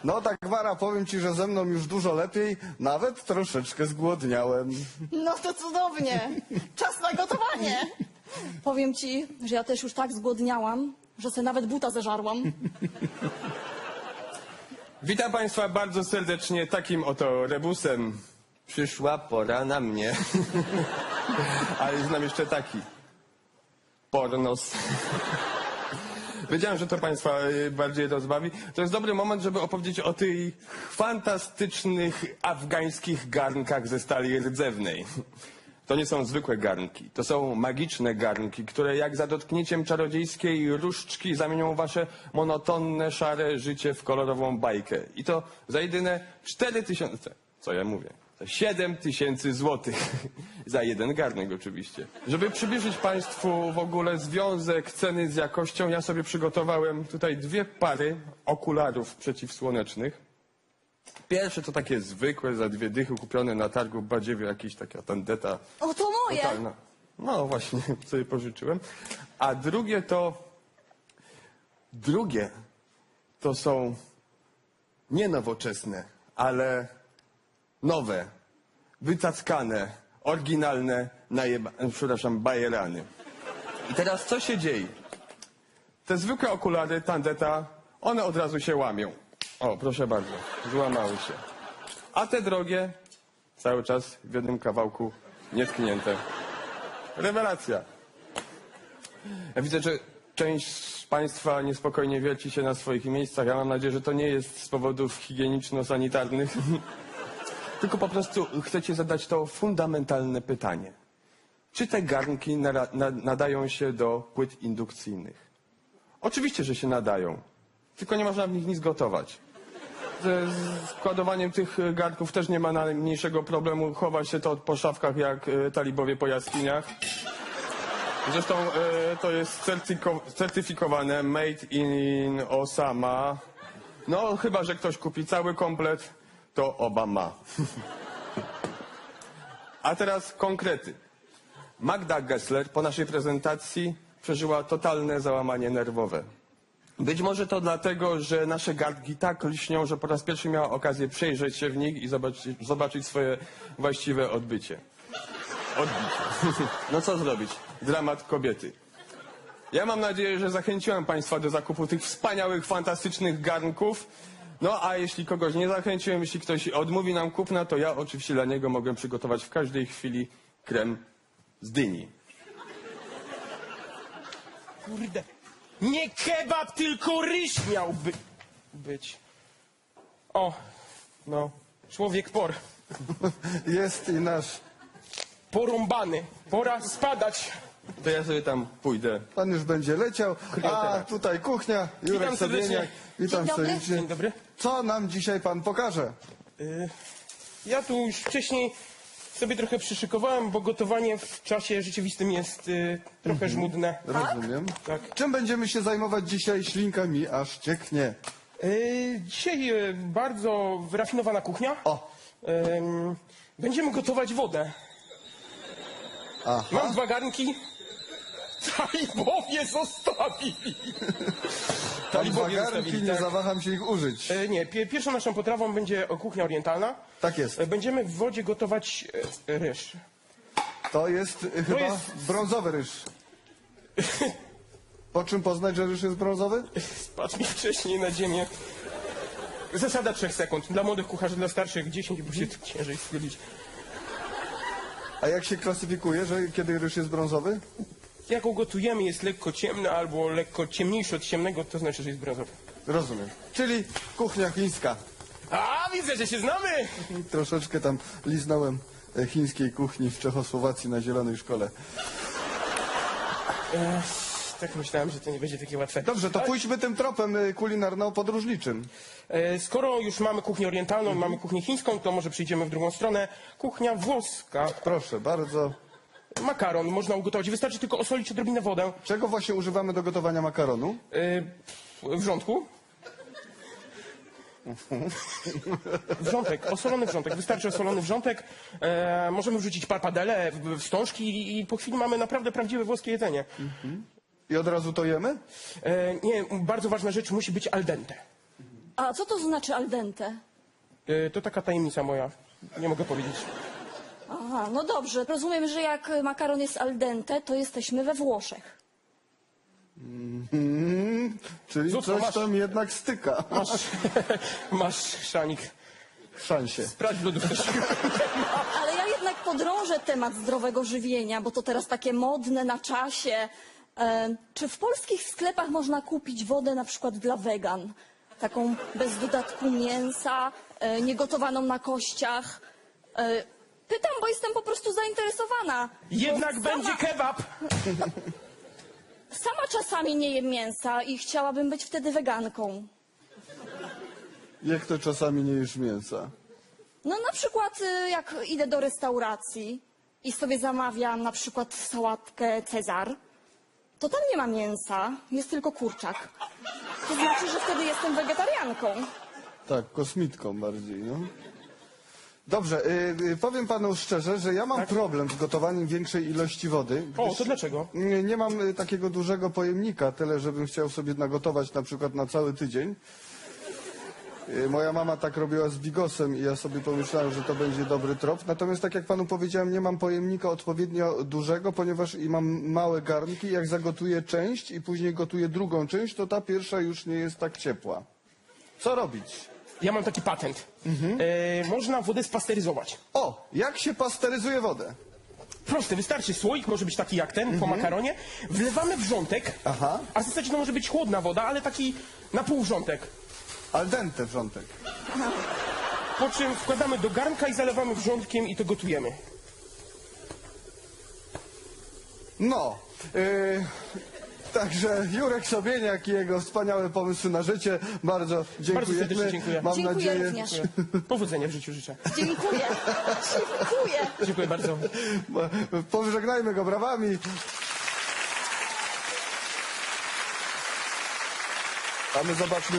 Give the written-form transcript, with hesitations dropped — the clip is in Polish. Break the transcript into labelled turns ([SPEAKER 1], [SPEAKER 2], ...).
[SPEAKER 1] No tak, Wara, powiem ci, że ze mną już dużo lepiej, nawet troszeczkę zgłodniałem.
[SPEAKER 2] No to cudownie. Czas na gotowanie. Powiem ci, że ja też już tak zgłodniałam, że sobie nawet buta zeżarłam.
[SPEAKER 3] Witam Państwa bardzo serdecznie takim oto rebusem. Przyszła pora na mnie. Ale znam jeszcze taki. Pornos. Wiedziałem, że to Państwa bardziej rozbawi. To jest dobry moment, żeby opowiedzieć o tych fantastycznych afgańskich garnkach ze stali rdzewnej. To nie są zwykłe garnki, to są magiczne garnki, które jak za dotknięciem czarodziejskiej różdżki zamienią wasze monotonne, szare życie w kolorową bajkę. I to za jedyne 4000, co ja mówię, za 7000 złotych. Za jeden garnek oczywiście. Żeby przybliżyć Państwu w ogóle związek ceny z jakością, ja sobie przygotowałem tutaj 2 pary okularów przeciwsłonecznych. Pierwsze to takie zwykłe, za 2 dychy kupione na targu w Badziewiu, jakaś taka tandeta
[SPEAKER 2] O, to moje.
[SPEAKER 3] totalna. No właśnie, sobie pożyczyłem. A drugie to są nie nowoczesne, ale nowe, wycackane, oryginalne, bajerany. I teraz co się dzieje? Te zwykłe okulary tandeta, one od razu się łamią. O, proszę bardzo, złamały się. A te drogie, cały czas w jednym kawałku nietknięte. Rewelacja. Ja widzę, że część z Państwa niespokojnie wierci się na swoich miejscach. Ja mam nadzieję, że to nie jest z powodów higieniczno-sanitarnych. Tylko po prostu chcecie zadać to fundamentalne pytanie. Czy te garnki nadają się do płyt indukcyjnych? Oczywiście, że się nadają. Tylko nie można w nich nic gotować. Ze składowaniem tych garnków też nie ma najmniejszego problemu. Chowa się to po szafkach jak talibowie po jaskiniach. Zresztą to jest certyfikowane Made in Osama. No chyba, że ktoś kupi cały komplet, to oba ma. A teraz konkrety. Magda Gessler po naszej prezentacji przeżyła totalne załamanie nerwowe. Być może to dlatego, że nasze garnki tak lśnią, że po raz pierwszy miała okazję przejrzeć się w nich i zobaczyć swoje właściwe odbicie. No co zrobić? Dramat kobiety. Ja mam nadzieję, że zachęciłem Państwa do zakupu tych wspaniałych, fantastycznych garnków. No a jeśli kogoś nie zachęciłem, jeśli ktoś odmówi nam kupna, to ja oczywiście dla niego mogę przygotować w każdej chwili krem z dyni.
[SPEAKER 4] Kurde. Nie kebab, tylko ryż miałby być. O, no, człowiek por.
[SPEAKER 1] Jest i nasz.
[SPEAKER 4] Porąbany. Pora spadać.
[SPEAKER 3] To ja sobie tam pójdę.
[SPEAKER 1] Pan już będzie leciał. A tutaj kuchnia, Jurek
[SPEAKER 4] Witam serdecznie.
[SPEAKER 1] Sobieniak. Witam
[SPEAKER 2] Dzień dobry.
[SPEAKER 1] serdecznie.
[SPEAKER 4] Dzień dobry.
[SPEAKER 1] Co nam dzisiaj pan pokaże?
[SPEAKER 4] Ja tu już wcześniej sobie trochę przyszykowałem, bo gotowanie w czasie rzeczywistym jest trochę żmudne.
[SPEAKER 1] Rozumiem.
[SPEAKER 4] Tak.
[SPEAKER 1] Czym będziemy się zajmować dzisiaj? Ślinka mi aż cieknie.
[SPEAKER 4] Dzisiaj bardzo wyrafinowana kuchnia.
[SPEAKER 1] O.
[SPEAKER 4] Będziemy gotować wodę.
[SPEAKER 1] Aha.
[SPEAKER 4] Mam 2 garnki. Talibowie zostawili.
[SPEAKER 1] Tam
[SPEAKER 4] Talibowie
[SPEAKER 1] wagarki,
[SPEAKER 4] zostawili,
[SPEAKER 1] nie
[SPEAKER 4] tak.
[SPEAKER 1] zawaham się ich użyć.
[SPEAKER 4] Nie, pierwszą naszą potrawą będzie kuchnia orientalna.
[SPEAKER 1] Tak jest.
[SPEAKER 4] Będziemy w wodzie gotować ryż.
[SPEAKER 1] To jest chyba
[SPEAKER 4] jest-
[SPEAKER 1] brązowy ryż. Po czym poznać, że ryż jest brązowy?
[SPEAKER 4] Spadł mi wcześniej na ziemię. Zasada 3 sekund. Dla młodych kucharzy, dla starszych 10, bo się ciężej schylić.
[SPEAKER 1] A jak się klasyfikuje, że kiedy ryż jest brązowy?
[SPEAKER 4] Jak go gotujemy, jest lekko ciemny albo lekko ciemniejszy od ciemnego, to znaczy, że jest brązowy.
[SPEAKER 1] Rozumiem. Czyli kuchnia chińska.
[SPEAKER 4] A, widzę, że się znamy!
[SPEAKER 1] Troszeczkę tam liznąłem chińskiej kuchni w Czechosłowacji na Zielonej Szkole.
[SPEAKER 4] Tak myślałem, że to nie będzie takie łatwe.
[SPEAKER 1] Dobrze, to pójdźmy tym tropem kulinarno-podróżniczym.
[SPEAKER 4] Skoro już mamy kuchnię orientalną, mamy kuchnię chińską, to może przejdziemy w drugą stronę. Kuchnia włoska.
[SPEAKER 1] Proszę bardzo.
[SPEAKER 4] Makaron można ugotować. Wystarczy tylko osolić odrobinę wodę.
[SPEAKER 1] Czego właśnie używamy do gotowania makaronu?
[SPEAKER 4] Wrzątku. Wrzątek, osolony wrzątek. Wystarczy osolony wrzątek. Możemy wrzucić parpadele, wstążki i po chwili mamy naprawdę prawdziwe włoskie jedzenie.
[SPEAKER 1] I od razu to jemy?
[SPEAKER 4] Nie, bardzo ważna rzecz, musi być al dente.
[SPEAKER 2] A co to znaczy al dente?
[SPEAKER 4] To taka tajemnica moja. Nie mogę powiedzieć.
[SPEAKER 2] Aha, no dobrze. Rozumiem, że jak makaron jest al dente, to jesteśmy we Włoszech.
[SPEAKER 1] Czyli
[SPEAKER 4] Zuzko,
[SPEAKER 1] coś
[SPEAKER 4] masz-
[SPEAKER 1] tam jednak styka.
[SPEAKER 4] Masz szanik.
[SPEAKER 1] W szansie.
[SPEAKER 4] Sprawdź w lodówce.
[SPEAKER 2] Ale ja jednak podrążę temat zdrowego żywienia, bo to teraz takie modne, na czasie. Czy w polskich sklepach można kupić wodę na przykład dla wegan? Taką bez dodatku mięsa, niegotowaną na kościach. Pytam, bo jestem po prostu zainteresowana.
[SPEAKER 4] Jednak
[SPEAKER 2] Bo
[SPEAKER 4] będzie kebab!
[SPEAKER 2] Sama czasami nie jem mięsa i chciałabym być wtedy weganką.
[SPEAKER 1] Jak to czasami nie jesz mięsa?
[SPEAKER 2] No na przykład jak idę do restauracji i sobie zamawiam na przykład sałatkę Cezar, to tam nie ma mięsa, jest tylko kurczak. To znaczy, że wtedy jestem wegetarianką.
[SPEAKER 1] Tak, kosmitką bardziej, no. Dobrze, powiem panu szczerze, że ja mam problem z gotowaniem większej ilości wody.
[SPEAKER 4] O,
[SPEAKER 1] gdyż
[SPEAKER 4] to dlaczego?
[SPEAKER 1] Nie mam takiego dużego pojemnika, tyle żebym chciał sobie nagotować na przykład na cały tydzień. Moja mama tak robiła z bigosem i ja sobie pomyślałem, że to będzie dobry trop. Natomiast tak jak panu powiedziałem, nie mam pojemnika odpowiednio dużego, ponieważ i mam małe garnki. Jak zagotuję część i później gotuję drugą część, to ta pierwsza już nie jest tak ciepła. Co robić?
[SPEAKER 4] Ja mam taki patent. Można wodę spasteryzować.
[SPEAKER 1] O, jak się pasteryzuje wodę?
[SPEAKER 4] Proste, wystarczy słoik, może być taki jak ten, po makaronie. Wlewamy wrzątek,
[SPEAKER 1] Aha.
[SPEAKER 4] a w zasadzie to może być chłodna woda, ale taki na pół wrzątek.
[SPEAKER 1] Al dente wrzątek.
[SPEAKER 4] Po czym wkładamy do garnka i zalewamy wrzątkiem i to gotujemy.
[SPEAKER 1] No, także Jurek Sobieniak i jego wspaniałe pomysły na życie. Bardzo dziękujemy.
[SPEAKER 4] serdecznie dziękuję.
[SPEAKER 1] Mam
[SPEAKER 2] Dziękuję
[SPEAKER 1] nadzieję,
[SPEAKER 2] również.
[SPEAKER 4] Powodzenia w życiu życzę.
[SPEAKER 2] Dziękuję. Dziękuję.
[SPEAKER 4] Dziękuję bardzo.
[SPEAKER 1] Pożegnajmy go brawami. A my zobaczmy.